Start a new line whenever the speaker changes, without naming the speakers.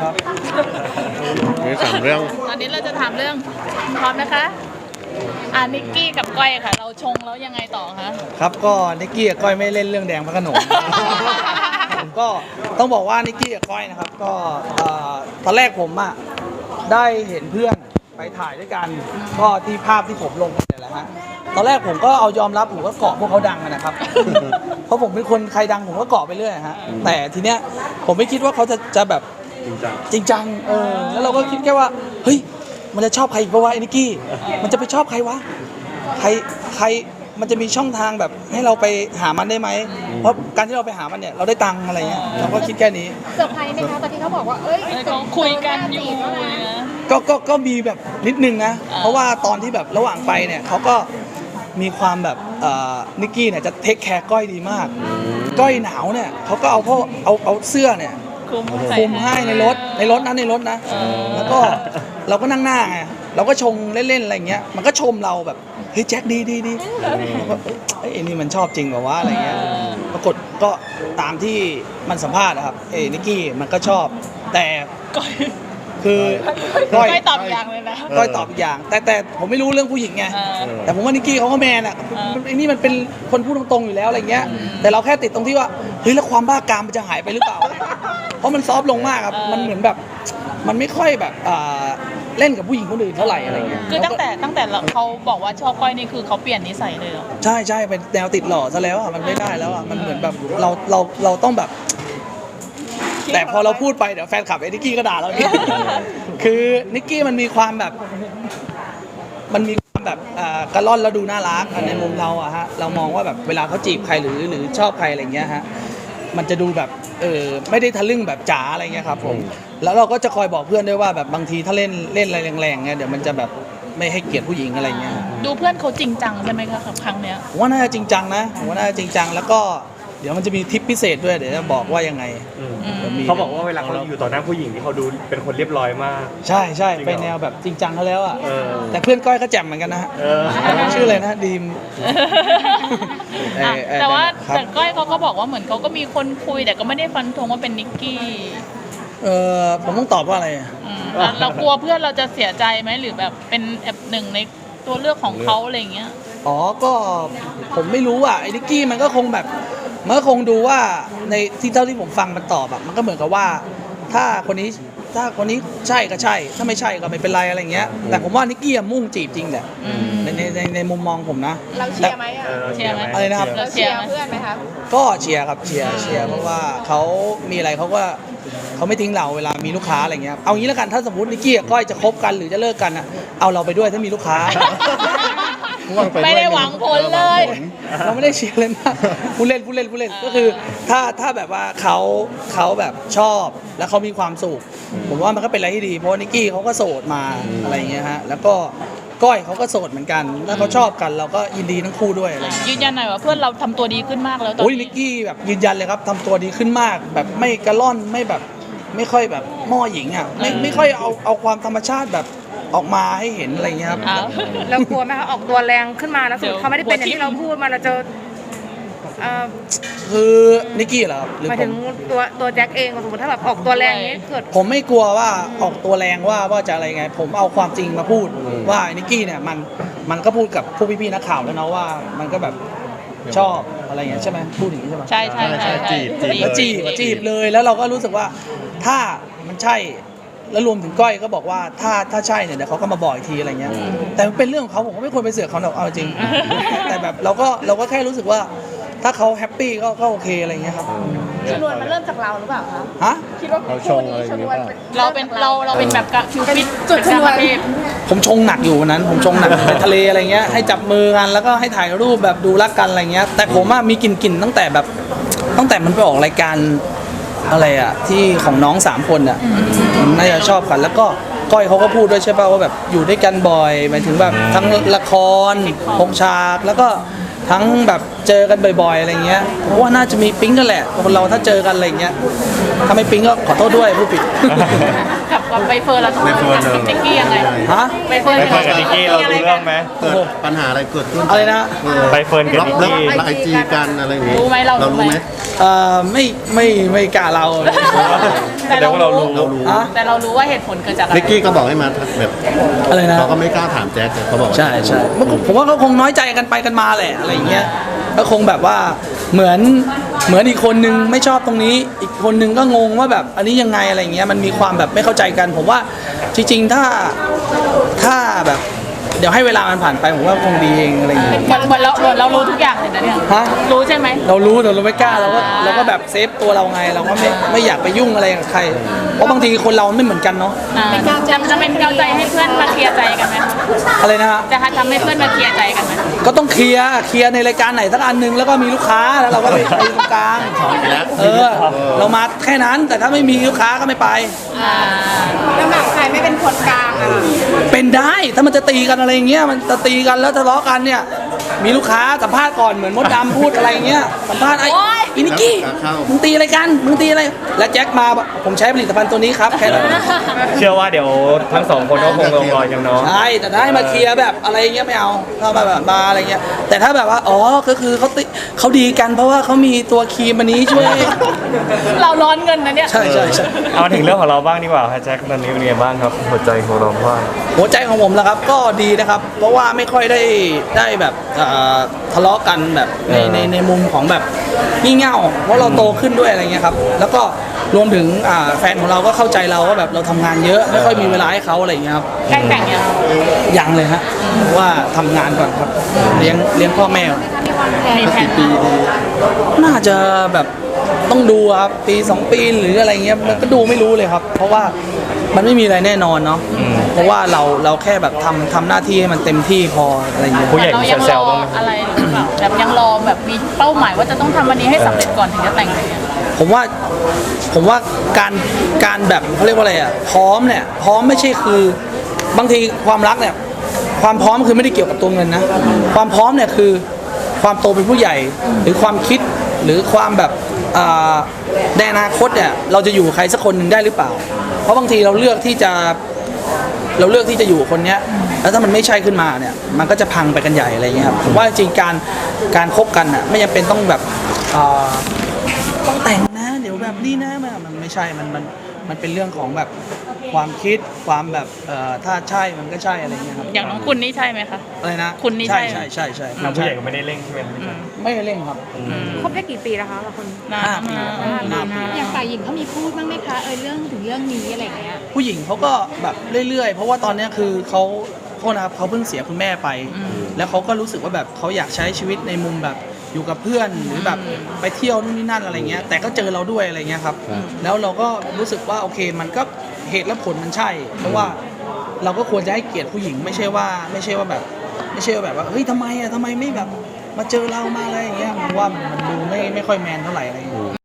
ครับมี3เรื่อง
ตอนนี้เราจะถามเรื่องพร้อมนะคะนิกกี้กับก้อยค่ะ เราชงแล้วยังไงต่อคะ
ครับก็นิกกี้กับก้อยไม่เล่นเรื่องแดงพระโขนงผมก็ต้องบอกว่านิกกี้กับก้อยนะครับก็ตอนแรกผมได้เห็นเพื่อนไปถ่ายด้วยกันก็ที่ภาพที่ผมลงเนี่ยแหละฮะตอนแรกผมก็เอายอมรับผมก็เกาะพวกเขาดังนะครับ เพราะผมเป็นคนใครดังผมก็เกาะไปเรื่อยฮะแต่ทีเนี้ยผมไม่คิดว่าเขาจะแบบจริงจังแล้วเราก็คิดแค่ว่าเฮ้ยมันจะชอบใครอีกปะวะไอ้นิกกี้มันจะไปชอบใครวะใครมันจะมีช่องทางแบบให้เราไปหามันได้ไหมเพราะการที่เราไปหามันเนี่ยเราได้ตังค์อะไรเงี้ยเราก็คิดแค่นี้
เซอร์ไพรส์ไหมคะตอนที่เขาบอกว่าเอ้ย
เขาคุยกันอยู่
ก็มีแบบนิดนึงนะเพราะว่าตอนที่แบบระหว่างไปเนี่ยเขาก็มีความแบบนิกกี้เนี่ยจะเทคแคร์ก้อยดีมากก้อยหนาวเนี่ยเขาก็เอาเสื้อเนี่ยคลุมให้ในรถนะแล้วก็เราก็นั่งหน้าไงเราก็ชงเล่นๆอะไรเงี้ยมันก็ชมเราแบบเฮ้ยแจ็คดีแล้วก็ไอ้นี่มันชอบจริงแบบว่าอะไรเงี้ยปรากฏก็ตามที่มันสัมภาษณ์นะครับนิกกี้มันก็ชอบแต่คือก้อย
ตอบอย่างเลยนะ
ก้อยตอบอีกอย่างแต่ผมไม่รู้เรื่องผู้หญิงไงแต่ผมว่านิกกี้เขาก็แมนไอ้นี่มันเป็นคนพูดตรงๆอยู่แล้วอะไรเงี้ยแต่เราแค่ติดตรงที่ว่าเฮ้ยแล้วความบ้ากามมันจะหายไปหรือเปล่าเพราะมันซอฟลงมากครับมันเหมือนแบบมันไม่ค่อยแบบเล่นกับผู้หญิงคนอื่นเท่าไหร่อะไรเงี้ย
คือตั้งแต่เขาบอกว่าชอบก้อยนี่คือเขาเปลี่ยนนิสัยเลยเหรอ
ใช่เป็นแนวติดหล่อซะแล้วมันไม่ได้แล้วมันเหมือนแบบเราต้องแบบแต่พอเราพูดไปเดี๋ยวแฟนคลับนิกกี้ก็ด่าเราอีกคือนิกกี้มันมีความแบบกระล่อนแล้วดูน่ารักในมุมเราฮะเรามองว่าแบบเวลาเขาจีบใครหรือชอบใครอะไรเงี้ยฮะมันจะดูแบบไม่ได้ทะลึ่งแบบจ๋าอะไรเงี้ยครับผมแล้วเราก็จะคอยบอกเพื่อนด้วยว่าแบบบางทีถ้าเล่นอะไรแรงๆเนี่ยเดี๋ยวมันจะแบบไม่ให้เกียรติผู้หญิงอะไรเงี้ย
ดูเพื่อนเขาจริงจังใช่ไหมคะครั้งเนี้ย
ผมว่าน่าจะจริงจังนะแล้วก็เดี๋ยวมันจะมีทิปพิเศษด้วยเดี๋ยวจะบอกว่ายังไง
เขาบอกว่าเวลาเขาอยู่ต่อหน้าผู้หญิงที่เขาดูเป็นคนเรียบร้อยมาก
ใช่ไปแนวแบบจริงจังเขาแล้วแต่เพื่อนก้อยเขาแจ่มเหมือนกันนะฮะชื่ออะไรนะดีม
แต่ว่าก้อยเขาก็บอกว่าเหมือนเขาก็มีคนคุยแต่ก็ไม่ได้ฟันธงว่าเป็นนิกกี้
ผมต้องตอบว่าอะไร
เรากลัวเพื่อนเราจะเสียใจไหมหรือแบบเป็นหนึ่งในตัวเลือกของเขาอะไรอย่างเงี้ย
ก็ผมไม่รู้ไอ้นิกกี้มันก็คงแบบมันก็คงดูว่าในที่เท่าที่ผมฟังมันตอบมันก็เหมือนกับว่าถ้าคนนี้ใช่ก็ใช่ถ้าไม่ใช่ก็ไม่เป็นไรอะไรเงี้ยแต่ผมว่านิกกี้มุ่งจีบจริงแหละในมุมมองผมนะ
เราเชียร์ไหม
เชียร์ไหม
อะไรนะครับ
เราเชียร์เพื่อนไหมครับ
ก็เชียร์ครับเชียร์เพราะว่าเขามีอะไรเขาไม่ทิ้งเราเวลามีลูกค้าอะไรเงี้ยเอางี้แล้วกันถ้าสมมตินิกกี้กับก้อยจะคบกันหรือจะเลิกกันเอาเราไปด้วยถ้ามีลูกค้า
ไม่ได้หวังผลเลย
เราไม่ได้เชียร์เลยนะผู้เล่นก็คือถ้าแบบว่าเขาแบบชอบแล้วเขามีความสุขผมว่ามันก็เป็นอะไรที่ดีเพราะนิกกี้เขาก็โสดมาอะไรเงี้ยฮะแล้วก็ก้อยเขาก็โสดเหมือนกันถ้าเขาชอบกันเราก็ยินดีทั้งคู่ด้วยอะไร
ยืนยันหน่อยว่าเพื่อนเราทำตัวดีขึ้นมากแล้วตอนนี้
นิกกี้แบบยืนยันเลยครับทำตัวดีขึ้นมากแบบไม่กระล่อนไม่แบบไม่ค่อยแบบหม้อหญิงไม่ค่อยเอาความธรรมชาติแบบออกมาให้เห็นอะไรเงี้ยครับ
เรากลัวไหมคะออกตัวแรงขึ้นมาแล้วสุดเขาไม่ได้เป็นอย่างที่เราพูดมาเราจะ
คือนิกกี้เหรอหรือ
หมายถึงตัวแจ็คเองสมมติถ้าแบบออกตัวแรงนี้เกิด
ผมไม่กลัวว่าออกตัวแรงว่าจะอะไรไงผมเอาความจริงมาพูดว่านิกกี้เนี่ยมันก็พูดกับพวกพี่ๆนักข่าวแล้วนะว่ามันก็แบบชอบอะไรเงี้ยใช่ไหมพูดอย่างนี้ใช่ไหม
ใช่
จีบเลยแล้วเราก็รู้สึกว่าถ้ามันใช่แล้วรวมถึงก้อยก็บอกว่าถ้าใช่เนี่ยเดี๋ยวเขาก็มาบอกอีกทีอะไรเงี้ยแต่มันเป็นเรื่องของเขาผมก็ไม่ควรไปเสือกเขาหรอกเอาจริงแต่แบบเราก็แค่รู้สึกว่าถ้าเขาแฮปปี้ก็โอเคอะไรเงี้ยครับ
ชนวนมันเริ่มจากเราหรือเปล่าคะคิดว่า
เราชงอะไรอย่างเงี้ย
เราเป็นแบบคิวปิด
จุดชนวน
ผมชงหนักอยู่วันนั้นผมชงหนักไปทะเลอะไรเงี้ยให้จับมือกันแล้วก็ให้ถ่ายรูปแบบดูรักกันอะไรเงี้ยแต่ผมมีกลิ่นตั้งแต่มันไปออกรายการอะไรที่ของน้อง3คนน่าจะชอบกันแล้วก็ก้อยเขาก็พูดด้วยใช่ป่ะว่าแบบอยู่ด้วยกันบ่อยหมายถึงแบบทั้งละครพงฉากแล้วก็ทั้งแบบเจอกันบ่อยๆอะไรเงี้ยเพราะว่าน่าจะมีปิ๊งกันแหละคนเราถ้าเจอกันอะไรเงี้ยถ้าไม่ปิ๊งก็ขอโทษด้วยผู้ผิด
กับใบเฟิร์นเราต้องนิกกี้ยังไง
ใบเฟิร์นกับนิกกี้เราดูเรื่องไหม
เกิดปัญหาอะไรเกิดขึ้น
อะไรนะ
ใบเฟิร์นกับนิกกี้
ไอจีกันอะไรอย่างงี้
รู้ไหมเรา
รู้ไหม
ไม่กล้าเรา
แต่เรารู้
เรารู้
อะ
แต่เรารู้ว่าเหตุผลเกิดจากอะไร
นิกกี้ก็บอกให้มาแบบ
อะไรนะ
เขาก็ไม่กล้าถามแจ็คเขาบอกว่า
ใช่ใช่ผมว่าเขาคงน้อยใจกันไปกันมาแหละอะไรอย่างเงี้ยก็คงแบบว่าเหมือนอีกคนนึงไม่ชอบตรงนี้ อีกคนนึงก็งงว่าแบบอันนี้ยังไงอะไรอย่างเงี้ยมันมีความแบบไม่เข้าใจกัน ผมว่าจริงๆถ้าแบบเดี๋ยวให้เวลามันผ่านไปผมว่าคงดีเองอะไรอย่างเงี้ย
เหมือนเรารู้ทุกอย่างเลยนะเนี่ย
ฮะ
รู้ใช่ไหม
เรารู้แต่เราไม่กล้าเราก็แบบเซฟตัวเราไงเราก็ไม่อยากไปยุ่งอะไรกับใคร เพราะบางทีคนเราไม่เหมือนกันเนาะ
จะเป็นกาวใจให้เพื่อนมาเคลียร์ใจกันไหม
อะไรนะฮะ
จะทำให้เพื่อนมาเคลียร์ใจกันไหม
ก็ต้องเคลียร์ในรายการไหนสักอันหนึงแล้วก็มีลูกค้าแล้วเราก็ไปตรงกลาง
แล้ว
เรามาแค่นั้นแต่ถ้าไม่มีลูกค้าก็ไม่ไป
แล้วแบบใครไม่เป็นคนกลางอ่ะ
เป็นได้ถ้ามันจะตีกันอะไรอย่างเงี้ยมันจะตีกันแล้วทะเลาะกันเนี่ยมีลูกค้าสัมภาษณ์ก่อนเหมือนมดดำพูดอะไรอย่างเงี้ยสัมภาษณ์ไอ้อินิกกี้มึงตีอะไรกันมึงตีอะไรแล้วแจ็คมาผมใช้ผลิตภัณฑ์ตัวนี้ครับแค่นั้น
เชื่อว่าเดี๋ยวทั้งสองคนก็คงลงรอยกันเนาะ
ใช่แต่ถ้าให้มาเคลียร์แบบอะไรอย่างเงี้ยไม่เอาถ้ามาแบบมาอะไรเงี้ยแต่ถ้าแบบว่าอ๋อก็คือเขาดีกันเพราะว่าเขามีตัวครีมอันนี้ช่วย
เราร้อนเงินนะเนี่ย
ใช่ใช่ใช่
เอามาถึงเรื่องของเราบ้างดีกว่าครับแจ็คตอนนี้เป็นยังไงบ้างครับหัวใจของเราว่า
หัวใจของผมนะครับก็ดีนะครับ เพราะว่าไม่ค่อยได้แบบทะเลาะกันแบบในมุมของแบบงี่เง่าเพราะเราโตขึ้นด้วยอะไรเงี้ยครับแล้วก็รวมถึงแฟนของเราก็เข้าใจเราว่าแบบเราทำงานเยอะไม่ค่อยมีเวลาให้เขาอะไรเงี้ยครับ
ใกล้แต่งยัง
ยังเลยฮะเพราะว่าทำงานก่อนครับเลี้ยงพ่อแม่ก่อน
มีแผน
ปีดี
น่าจะแบบต้องดูครับปี2 ปีหรืออะไรเงี้ยมันก็ดูไม่รู้เลยครับ เพราะว่ามันไม่มีอะไรแน่นอนเนาะเพราะว่าเราแค่แบบทำหน้าที่ให้มันเต็มที่พออะไรเงี้ย
ผู้ใหญ่
เรา
มี
ยัง
แซ
รอ
วๆบ้างไหม
อะไรหรือเปล่าแบบยังรอแบบมีเป้าหมายว่าจะต้องทำวันนี้ให้สำเร็จก่อนถึงจะแต่งอะไรเงี้ย
ผมว่าการแบบเขาเรียกว่าอะไรอ่ะพร้อมเนี่ยพร้อมไม่ใช่คือบางทีความรักเนี่ยความพร้อมคือไม่ได้เกี่ยวกับตัวเงินนะความพร้อมเนี่ยคือความโตเป็นผู้ใหญ่หรือความคิดหรือความแบบในอนาคตเนี่ยเราจะอยู่ใครสักคนหนึ่งได้หรือเปล่า เพราะบางทีเราเลือกที่จะอยู่กับคนเนี้ยแล้วถ้ามันไม่ใช่ขึ้นมาเนี่ยมันก็จะพังไปกันใหญ่อะไรอย่างเงี้ยครับผมว่าจริงๆการคบกันอ่ะไม่จำเป็นต้องแบบต้องแต่งนะเดี๋ยวแบบนี้นะมันไม่ใช่มันเป็นเรื่องของแบบความคิดความแบบถ้าใช่มันก็ใช่อะไรเงี้ยครับ
อย่างน้องคุณนี่ใช่ไหมคะ
อะไรนะ
คุณนี่ใช่
ใช่ใช่ใช่
ทางผู้ใหญ่ก็ไม่ได้เร่งใช่ไหม
ไม่ได้เร่งครับ
คบได้กี่ปีแล้วคะเราคน
นาน
5 ปี
มาก
5 ปี
อย่างฝ่ายหญิงเขามีพูดบ้างไหมคะเรื่องถึงเรื่องนี้อะไรอย่างเงี้ย
ผู้หญิงเขาก็แบบเรื่อยๆ เพราะว่าตอนเนี้ยคือเขาโทษนะครับเขาเพิ่งเสียคุณแม่ไป แล้วเขาก็รู้สึกว่าแบบเขาอยากใช้ชีวิตในมุมแบบอยู่กับเพื่อนหรือแบบไปเที่ยวนู่นนี่นั่นอะไรเงี้ยแต่ก็เจอเราด้วยอะไรเงี้ยครับแล้วเราก็รู้สึกว่าโอเคมันก็เหตุและผลมันใช่ เพราะว่าเราก็ควรจะให้เกียรติผู้หญิงไม่ใช่ว่าแบบว่าเฮ้ยทำไมไม่แบบมาเจอเรามาอะไรอย่างเงี้ยผมว่ามันดูไม่ค่อยแมนเท่าไหร่อะไรเงี้ย